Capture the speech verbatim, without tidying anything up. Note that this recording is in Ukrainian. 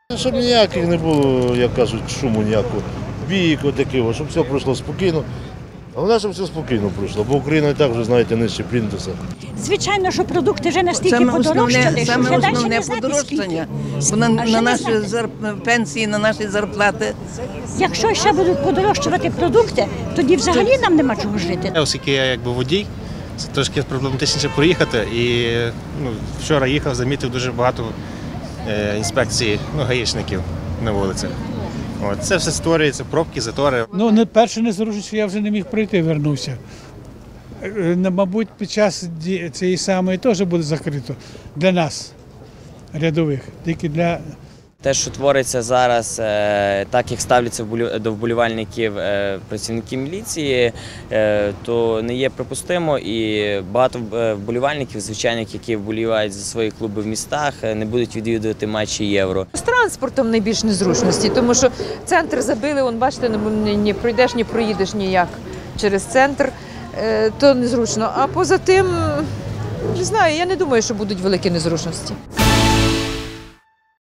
Щоб ніяких не було, як кажуть, шуму ніякого, бійок такого, щоб все пройшло спокійно. Головне, щоб все спокійно пройшло, бо Україна і так вже, знаєте, нижче плінтуса. Звичайно, що продукти вже настільки Саме подорожчали, основне, що саме вже далі основне не знати подорожчання, скільки. бо на, А на ще не наші знати. зар... пенсії, на наші зарплати. Якщо ще будуть подорожчувати продукти, тоді взагалі нам нема чого жити. Оскільки я якби водій, це трошки проблематичніше проїхати. І ну, вчора їхав, замітив дуже багато е, інспекцій, ну, гаїшників на вулицях. От, це все створюється, пробки, затори. Ну, не перше незручно, я вже не міг пройти, вернувся. Е, Мабуть, під час ді- цієї самої теж буде закрито для нас, рядових, тільки для. Те, що твориться зараз, е, так як ставляться вболю- до вболівальників е, працівники міліції, е, то не є припустимо. І багато е, вболівальників, звичайних, які вболівають за свої клуби в містах, е, не будуть відвідувати матчі Євро. З транспортом найбільш незручності, тому що центр забили, вон, бачите, не, не пройдеш, не проїдеш ніяк через центр, е, то незручно. А поза тим, не знаю, я не думаю, що будуть великі незручності.